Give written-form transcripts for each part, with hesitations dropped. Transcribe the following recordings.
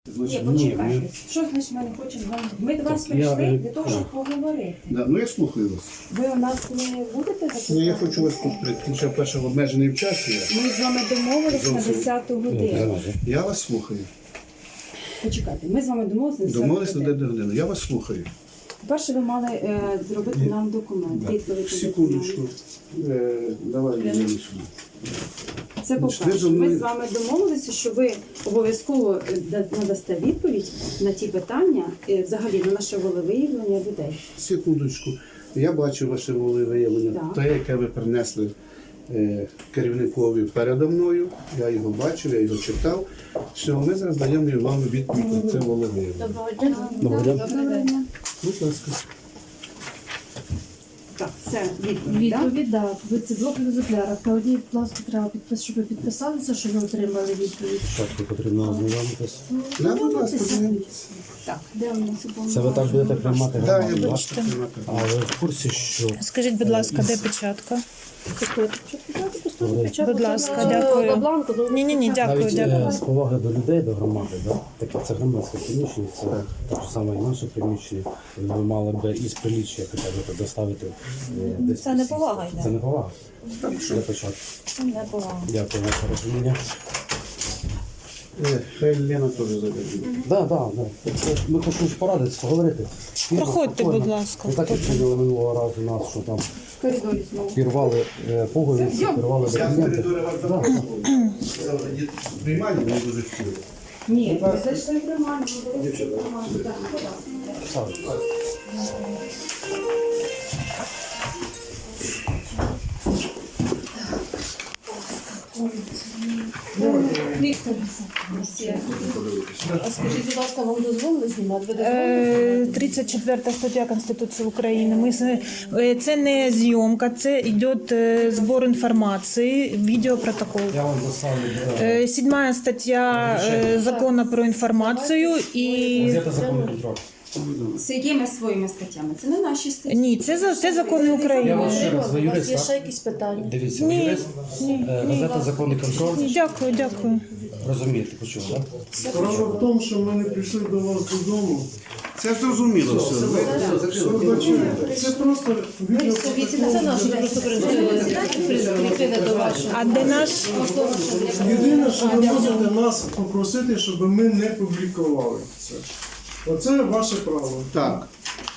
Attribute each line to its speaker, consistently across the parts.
Speaker 1: Ні, почекайте. Що значить ми не хочемо вам? Ми до вас прийшли для того, щоб поговорити.
Speaker 2: Да, ну я слухаю вас.
Speaker 1: Ви у нас не будете запитати?
Speaker 2: Ну я хочу вас тут прийти, що перше в обмежений час є.
Speaker 1: Ми з вами домовились на 10 годину.
Speaker 2: Я вас слухаю.
Speaker 1: Почекайте, ми з вами домовились на 10
Speaker 2: Домовились на
Speaker 1: годину.
Speaker 2: 9 годину. Я вас слухаю.
Speaker 1: По-перше, ви мали зробити нам документ. Відповідь на
Speaker 2: Секундочку.
Speaker 1: документ.
Speaker 2: Давай я сюди.
Speaker 1: Це по-перше. Ми з вами домовилися, що ви обов'язково надасте відповідь на ті питання, взагалі на наше волевиявлення людей.
Speaker 2: Секундочку. Я бачу ваше волевиявлення.
Speaker 1: Так.
Speaker 2: Те, яке ви принесли керівникові передо мною. Я його бачив, я його читав. Все, ми зараз даємо вам відповідь на це волевиявлення.
Speaker 1: Доброго дня.
Speaker 2: Будь ласка.
Speaker 1: Так, це відповідь, так?
Speaker 3: Відповідь, так. Ви це блок в екземплярах. На одній, будь ласка, треба підписати, щоб ви підписалися, що ви отримали відповідь.
Speaker 4: Спочатку потрібно ознайомитись.
Speaker 2: Да, будь ласка, подивіться.
Speaker 1: Так, де у нас
Speaker 4: Це ви так будете приймати
Speaker 2: Так,
Speaker 4: громаду,
Speaker 2: я
Speaker 4: так?
Speaker 2: бачу приймати.
Speaker 4: А ви в курсі, що
Speaker 5: Скажіть, будь ласка, де печатка? Будь ласка,
Speaker 3: На
Speaker 5: дякую.
Speaker 3: бланку, ну,
Speaker 5: Ні, дякую,
Speaker 4: навіть
Speaker 5: дякую.
Speaker 4: з поваги до людей, до громади, да? Таке це громадське приміщення, це так само і наше приміщення. Ви мали б із приліччя хоча б доставити десь.
Speaker 5: Це не повага йде.
Speaker 4: Це не повага. Для початку.
Speaker 5: Це не повага.
Speaker 4: Дякую за розуміння.
Speaker 2: Хай Лена теж забере.
Speaker 4: Так. Ми хочемо порадитися, поговорити.
Speaker 5: Проходьте,
Speaker 4: Спокійно.
Speaker 5: будь ласка.
Speaker 4: Не так, як прийняли минулого разу нас, що там
Speaker 1: в коридорі знову.
Speaker 4: пірвали пуговиці, пірвали
Speaker 2: Я в
Speaker 4: документи.
Speaker 2: коридорі вас запрошував. Приймальні не дуже хотіли.
Speaker 1: Ні, ви зайшли в приймальню, ви були в приймальні. Так, будь ласка.
Speaker 3: Віктор, а скажіть, будь ласка, вам дозволили знімати? Ви дозволили?
Speaker 5: 34 стаття Конституції України. Це не зйомка, це йде збор інформації, відеопротокол.
Speaker 4: Я вам доставлю
Speaker 5: 7 стаття Закону про інформацію і...
Speaker 4: газета «Законний контроль».
Speaker 1: З якими своїми статтями? Це не наші статті.
Speaker 5: Ні, це закони
Speaker 4: Я
Speaker 5: України.
Speaker 4: вам ще раз, ви
Speaker 3: У вас
Speaker 4: юрист,
Speaker 3: є
Speaker 4: так?
Speaker 3: ще якісь питання?
Speaker 4: Дивіться, ви юрист, газета «Законний контроль».
Speaker 5: Дякую.
Speaker 4: Розумієте, почув, так?
Speaker 6: Справа в тому, що ми не прийшли до вас додому.
Speaker 2: Це зрозуміло все.
Speaker 6: Вибачайте. Це просто відео.
Speaker 3: Це наше просто прикріплене до вашого.
Speaker 5: А де наш?
Speaker 6: Єдине, що ви можете нас попросити, щоб ми не публікували це. Оце ваше право.
Speaker 2: Так.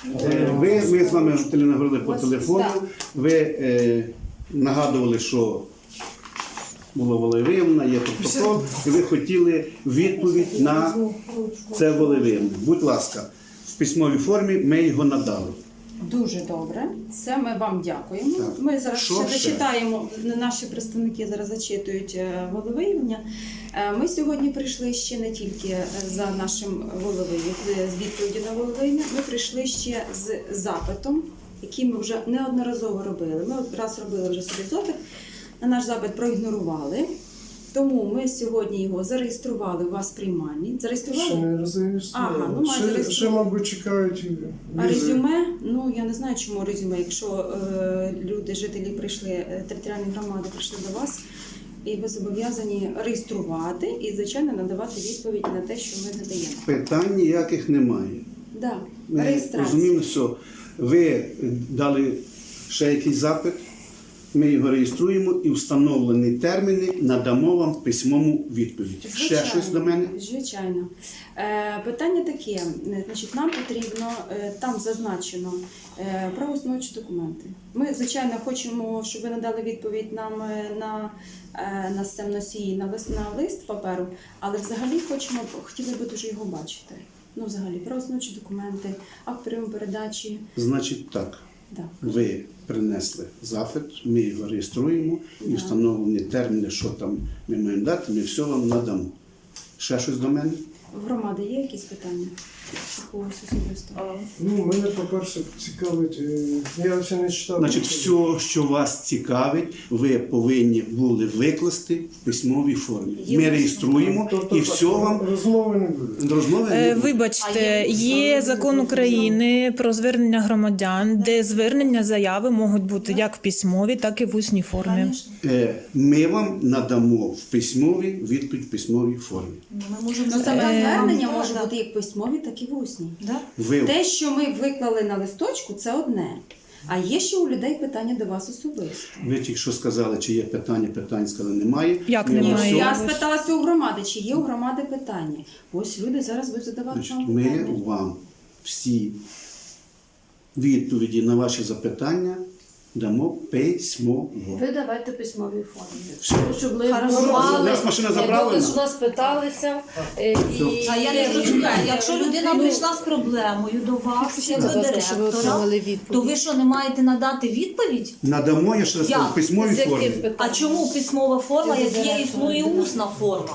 Speaker 2: Ми з вами говорили по телефону. Ви нагадували, що було волевиявлення, є протокол, і ви хотіли відповідь на це волевиявлення. Будь ласка, в письмовій формі ми його надали.
Speaker 1: Дуже добре. Це ми вам дякуємо.
Speaker 2: Так.
Speaker 1: Ми зараз
Speaker 2: Що
Speaker 1: ще
Speaker 2: ще?
Speaker 1: зачитаємо, наші представники зараз зачитують волевиявлення. Ми сьогодні прийшли ще не тільки за нашим волевиявленням, з відповіді на волевиявлення, ми прийшли ще з запитом, який ми вже неодноразово робили. Ми раз робили вже собі запит, на наш запит проігнорували. Тому ми сьогодні його зареєстрували у вас в приймальні.
Speaker 6: Ще
Speaker 1: Зареєстрували?
Speaker 6: не розумієш.
Speaker 1: Ага, ну, має
Speaker 6: Ще,
Speaker 1: зареєструвати.
Speaker 6: мабуть, чекають
Speaker 1: А
Speaker 6: візи.
Speaker 1: резюме, ну я не знаю, чому резюме, якщо люди, жителі прийшли, територіальні громади прийшли до вас, і ви зобов'язані реєструвати і, звичайно, надавати відповідь на те, що ми надаємо.
Speaker 2: Питань ніяких немає.
Speaker 1: Да,
Speaker 2: Ми
Speaker 1: реєстрація.
Speaker 2: розуміємо, що ви дали ще якийсь запит, ми його реєструємо і встановлені терміни надамо вам письмову відповідь. Ще щось до мене?
Speaker 1: Звичайно. Питання таке, значить, нам потрібно, там зазначено правоустановчі документи. Ми, звичайно, хочемо, щоб ви надали відповідь нам на носії, на лист паперу, але взагалі хотіли би дуже його бачити. Ну, взагалі, правоустановчі документи, акт прийому передачі.
Speaker 2: Значить так,
Speaker 1: Да.
Speaker 2: ви принесли запит, ми його реєструємо і встановлені терміни, що там ми маємо дати, ми все вам надамо. Ще щось до мене?
Speaker 1: В громади є якісь питання? Когось особисто?
Speaker 6: Ну, мене, по-перше, цікавить, я ще не читав.
Speaker 2: Значить, все, що вас цікавить, ви повинні були викласти в письмовій формі. Ми реєструємо
Speaker 6: Тобто,
Speaker 2: і все вам
Speaker 6: розмови не буде.
Speaker 2: розмови. не буде.
Speaker 5: Вибачте, є закон України про звернення громадян, де звернення заяви можуть бути як в письмовій, так і в усній формі.
Speaker 2: Ми вам надамо в письмовій відповідь в письмовій формі.
Speaker 1: Ну, саме звернення
Speaker 5: да,
Speaker 1: може
Speaker 5: да.
Speaker 1: бути як письмові, так і в усній.
Speaker 5: Да?
Speaker 2: Ви
Speaker 1: Те, що ми виклали на листочку, це одне. А є ще у людей питання до вас особисто.
Speaker 2: Ви тільки що сказали, чи є питання, питань сказали, немає.
Speaker 5: Як
Speaker 2: Ми
Speaker 5: немає?
Speaker 2: на всьому-
Speaker 1: Я спиталася у громади, чи є у громади питання. Ось люди зараз будуть задавати
Speaker 2: Значить,
Speaker 1: вам
Speaker 2: ми
Speaker 1: питання.
Speaker 2: вам всі відповіді на ваші запитання дамо письмово.
Speaker 3: Ви давайте письмові формі.
Speaker 2: Все.
Speaker 3: Щоб ми
Speaker 1: Хорошо.
Speaker 3: мали,
Speaker 2: У нас машина заправлена.
Speaker 3: щоб нас питалися. І...
Speaker 7: А я не розумію, якщо людина прийшла з проблемою до вас, як до директора, то ви що, не маєте надати відповідь?
Speaker 2: Надамо, я ще раз кажу, в письмовій формі.
Speaker 7: А чому письмова форма, як є існує усна форма?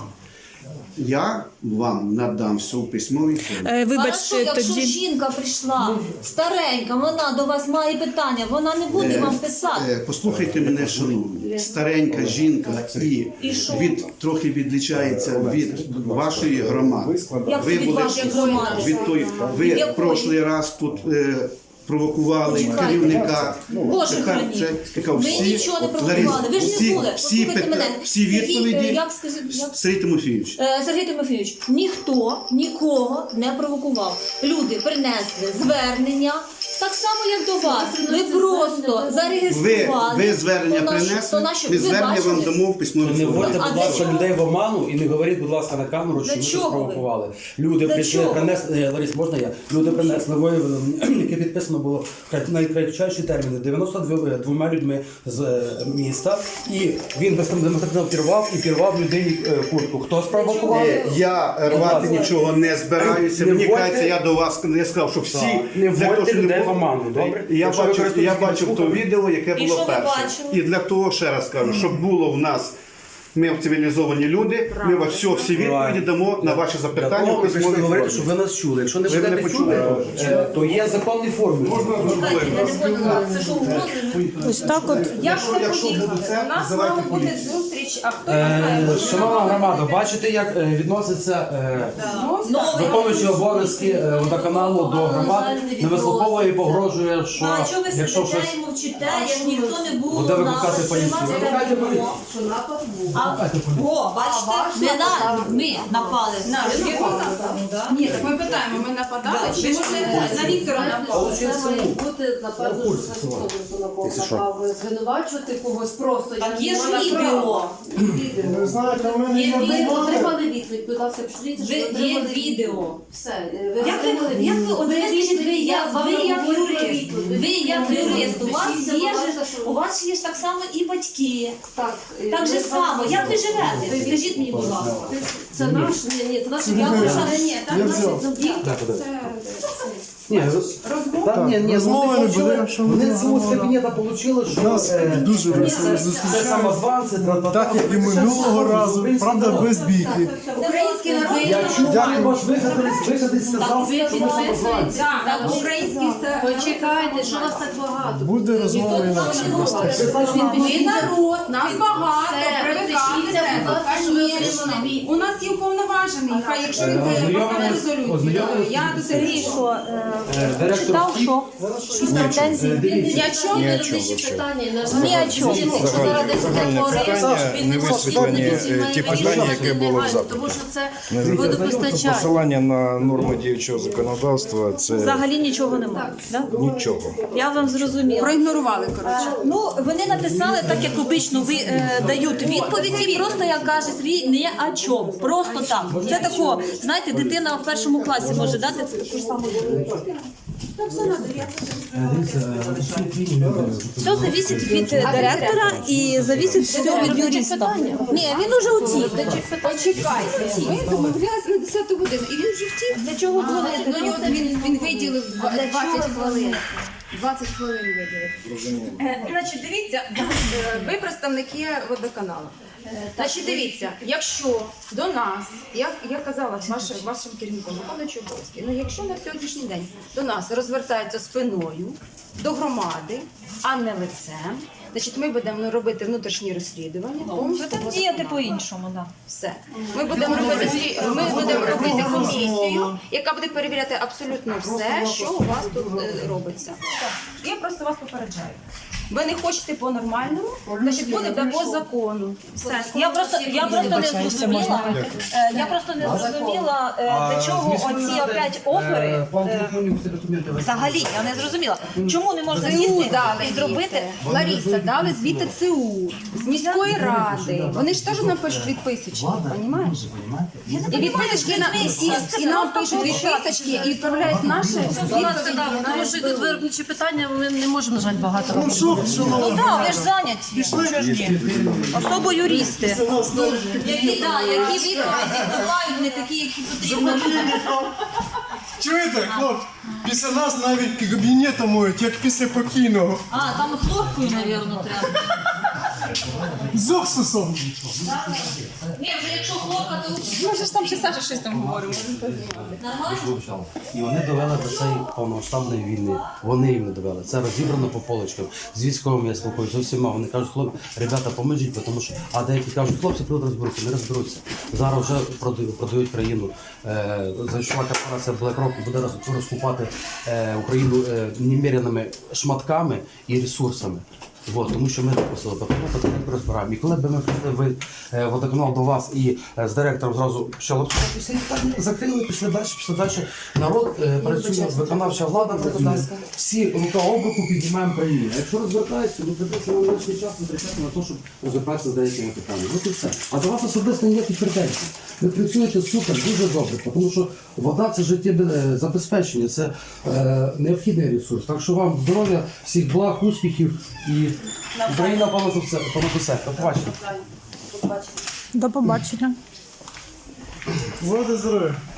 Speaker 2: Я вам надам все в письмовій формі.
Speaker 5: Вибачте,
Speaker 7: Хорошо, якщо
Speaker 5: тоді.
Speaker 7: жінка прийшла старенька, вона до вас має питання, вона не буде вам писати.
Speaker 2: Послухайте мене, шановні. Старенька жінка
Speaker 7: І що?
Speaker 2: трохи відлічається від вашої громади.
Speaker 7: Як це від вашої громади?
Speaker 2: Ви
Speaker 7: Від якої?
Speaker 2: прошлий раз тут провокували
Speaker 7: Почекайте.
Speaker 2: керівника.
Speaker 7: Боже
Speaker 2: Тепер
Speaker 7: храні.
Speaker 2: це така
Speaker 7: Ви
Speaker 2: всі-
Speaker 7: нічого не
Speaker 2: от,
Speaker 7: провокували,
Speaker 2: Лариса,
Speaker 7: ви ж не були.
Speaker 2: всі
Speaker 7: Послухайте мене.
Speaker 2: всі
Speaker 7: Сергій,
Speaker 2: відповіді
Speaker 7: як скажіть, як?
Speaker 2: Сергій Тимофійович.
Speaker 7: Сергій Тимофійович, ніхто нікого не провокував. Люди принесли звернення, так само, як до вас. Ви просто зареєстрували.
Speaker 2: Ви звернення
Speaker 7: то
Speaker 2: принесли,
Speaker 7: наші-
Speaker 2: ми
Speaker 7: ви
Speaker 2: звернення
Speaker 7: бачили?
Speaker 2: вам дамо в письмовій
Speaker 4: Не
Speaker 2: формі.
Speaker 4: вводьте,
Speaker 7: А
Speaker 4: будь
Speaker 7: для
Speaker 4: ласка,
Speaker 7: чого?
Speaker 4: людей в оману і не говоріть, будь ласка, на камеру, що
Speaker 7: Для
Speaker 4: ви
Speaker 7: чого
Speaker 4: щось
Speaker 7: ви?
Speaker 4: провокували. Люди
Speaker 7: Для
Speaker 4: прийшли,
Speaker 7: чого?
Speaker 4: принесли, Ларис, можна я? Люди принесли виявили, яке підписано було в найкратчайші терміни 92 людьми з міста. І він демонстративно пірвав людині куртку. Хто спровокував?
Speaker 2: Я рвати нічого не збираюся.
Speaker 4: Не
Speaker 2: Мені
Speaker 4: вводьте-
Speaker 2: кажеться, я до вас не сказав, що всі
Speaker 4: Не
Speaker 2: для того,
Speaker 4: вводьте
Speaker 2: щоб не
Speaker 4: людей в
Speaker 2: було-
Speaker 4: оману, добре?
Speaker 2: І Я
Speaker 4: Якщо ви
Speaker 2: бачив
Speaker 4: користуєтесь
Speaker 2: то відео, яке
Speaker 7: І
Speaker 2: було
Speaker 7: що ви
Speaker 2: перше.
Speaker 7: бачили?
Speaker 2: І для того ще раз кажу, щоб було в нас. Ми цивілізовані люди, ми вас всі відповіді
Speaker 4: Правильно.
Speaker 2: дамо на ваші
Speaker 4: Для
Speaker 2: запитання
Speaker 4: того
Speaker 2: в
Speaker 4: ми прийшли
Speaker 2: письмовій
Speaker 4: говорити,
Speaker 2: формі.
Speaker 4: щоб ви нас чули. Якщо не
Speaker 2: Ви мене
Speaker 4: будете
Speaker 2: почули?
Speaker 4: чути, то є законні форми.
Speaker 7: Чекайте, я не поняла, це що угрози?
Speaker 5: Ось так от.
Speaker 1: Як це
Speaker 2: Якщо
Speaker 1: поїхати?
Speaker 2: буде це,
Speaker 1: У нас
Speaker 2: давайте
Speaker 1: мала бути
Speaker 2: поліцію.
Speaker 1: зустріч, а хто не знає?
Speaker 4: Шановна громада, бачите, як відноситься виконуючий обов'язки водоканалу до громад, не вислуховує і погрожує, що
Speaker 7: А чого ви
Speaker 4: якщо
Speaker 7: сидите
Speaker 4: щось
Speaker 7: і мовчите, як ніхто не був
Speaker 4: буде
Speaker 7: у
Speaker 4: викликати
Speaker 7: нас,
Speaker 4: поліцію.
Speaker 7: що нас
Speaker 4: Викликайте
Speaker 7: не було.
Speaker 4: поліцію.
Speaker 3: Що напад був.
Speaker 7: О, бачите, не на, ми напали.
Speaker 1: Ні, так ми питаємо, ми нападали, чи може на Віктора напали?
Speaker 3: Це має бути, напевно, що це хто напав звинувачувати когось просто.
Speaker 7: Так
Speaker 3: Я
Speaker 7: є
Speaker 3: не
Speaker 7: ж
Speaker 3: маю
Speaker 7: відео.
Speaker 3: права.
Speaker 6: Ви знаєте, у мене
Speaker 7: Є
Speaker 6: є
Speaker 7: відео.
Speaker 3: Ви
Speaker 6: думка.
Speaker 3: отримали відповідь, будь ласка, пишіться, що ви
Speaker 7: Є
Speaker 3: отримали
Speaker 7: відео.
Speaker 3: Все,
Speaker 7: Як ви, от ви скажіть, ви як юрист, ви як юрист, у вас є ж, у вас є ж так само і батьки. Так же само, як ви живете? Скажіть мені, будь ласка.
Speaker 3: Це наш, ні, це наш
Speaker 1: Ні, там
Speaker 6: Я
Speaker 1: наші
Speaker 6: взяв.
Speaker 4: Ні,
Speaker 6: розмови не буде, якщо ми
Speaker 4: вони
Speaker 6: не
Speaker 4: з цього з
Speaker 6: говоримо.
Speaker 4: кабінету отримали,
Speaker 6: У
Speaker 4: що
Speaker 6: нас дуже весело
Speaker 4: це
Speaker 6: зустрічали.
Speaker 4: самозванці,
Speaker 6: Так як і минулого разу, правда, без бійки.
Speaker 1: Український народ.
Speaker 4: Я чув, як ваш виходить сказав, що ми самозванці.
Speaker 1: Так, український
Speaker 3: Почекайте, що вас так багато?
Speaker 6: Буде розмова інакше.
Speaker 1: Ми народ, нас багато,
Speaker 3: Все,
Speaker 1: привикати
Speaker 3: підпишіться, будь
Speaker 1: треба.
Speaker 3: ласка, що ви отримали
Speaker 1: Конечно.
Speaker 3: відповідь.
Speaker 1: У нас є уповноважений, хай якщо він поставить резолюцію,
Speaker 4: ознайомились?
Speaker 1: я до Сергія, що
Speaker 4: Директор
Speaker 5: Читав,
Speaker 4: втік.
Speaker 5: що? Якісь претензії?
Speaker 4: Дивіться.
Speaker 1: я чому?
Speaker 3: Ні о чому питання,
Speaker 5: Ні о чому.
Speaker 8: Не висвітлені ті питання, які були в запиті.
Speaker 3: Тому що це водопостачання.
Speaker 8: Посилання на норми діючого законодавства це
Speaker 7: Взагалі нічого немає. Да?
Speaker 8: нічого.
Speaker 7: Я вам зрозуміла.
Speaker 1: Проігнорували, коротше.
Speaker 7: Ну, вони написали, так як обично дають відповіді, просто як каже Сергій, не о чому. Просто так. Це тако, знаєте, дитина в першому класі може дати це таку ж саму відповідь. Все зависить від директора і зависить все від юриста. Ні, він уже утік.
Speaker 1: Почекайте, ми домовлялися на 10 годину, і він вже втік.
Speaker 7: Для чого
Speaker 1: До
Speaker 7: дзвонити?
Speaker 1: нього він виділив 20 хвилин. 20 хвилин виділив. Значить, дивіться, ви представники водоканалу. Значить, дивіться, якщо до нас, я казала вашим керівником, виконуючим обов'язки, ну якщо на сьогоднішній день до нас розвертаються спиною до громади, а не лицем, значить ми будемо робити внутрішні розслідування. повністю
Speaker 7: Будемо діяти по-іншому, так.
Speaker 1: все. Ми будемо робити комісію, яка буде перевіряти абсолютно все, що у вас тут робиться. Я просто вас попереджаю. Ви не хочете по-нормальному, значить буде по закону.
Speaker 7: Все. Я просто не зрозуміла. Я просто не зрозуміла, для чого оці опять опери. Взагалі, я не зрозуміла. Чому не можна сісти і зробити?
Speaker 1: Лариса, дали звідти ЦУ, з міської ради. Вони ж теж нам пишуть відписочки, розумієш? І відписочки і нам пишуть відписочки і відправляють наші відповіді.
Speaker 9: Тому що йдуть виробничі питання, ми не можемо, на жаль, багато
Speaker 6: Ну
Speaker 9: робити.
Speaker 6: що,
Speaker 7: Ну так, ви ж зайняті. Що ж ні? Особо юристи. Які відповіді бувають не такі, які потрібно.
Speaker 6: Чуєте, хлопці? Після нас навіть кабінетом моють, як після покійного.
Speaker 7: А, там хлопкою, мабуть, треба.
Speaker 6: З уксусом.
Speaker 7: Ні, вже якщо хлопка, то
Speaker 1: Може ж там ще Саша щось там говоримо.
Speaker 7: нормально.
Speaker 4: І вони довели до цієї повномасштабної війни. Вони їм не довели. Це розібрано по полочкам. З військовими я спілкуюся, з усіма. Вони кажуть, хлопці, ребята, поможіть, тому що, а деякі кажуть, хлопці тут розберуться, не розберуться. Зараз вже продають країну. Зайшла корпорація BlackRock і буде розкупати Україну неміряними шматками і ресурсами. Вот, тому що ми допустили, тому потихеньку розбираємо. І коли б ми прийшли водоканал до вас і з директором зразу почали обсуждатися, і так закрили, пішли далі. Народ працює, виконавча влада працює. Всі рука об руку піднімаємо країну. А якщо розвертається, то придеться нам лишній час витрачати на те, щоб розібратися з деякими питаннями. От і все. А до вас особисто ніяких претензій. Ви працюєте супер, дуже добре, тому що вода – це життєзабезпечення, це необхідний ресурс. Так що вам здоров'я, всіх благ, успіхів і Україна понад усе. До побачення.
Speaker 5: До побачення.
Speaker 6: Води здоров'я.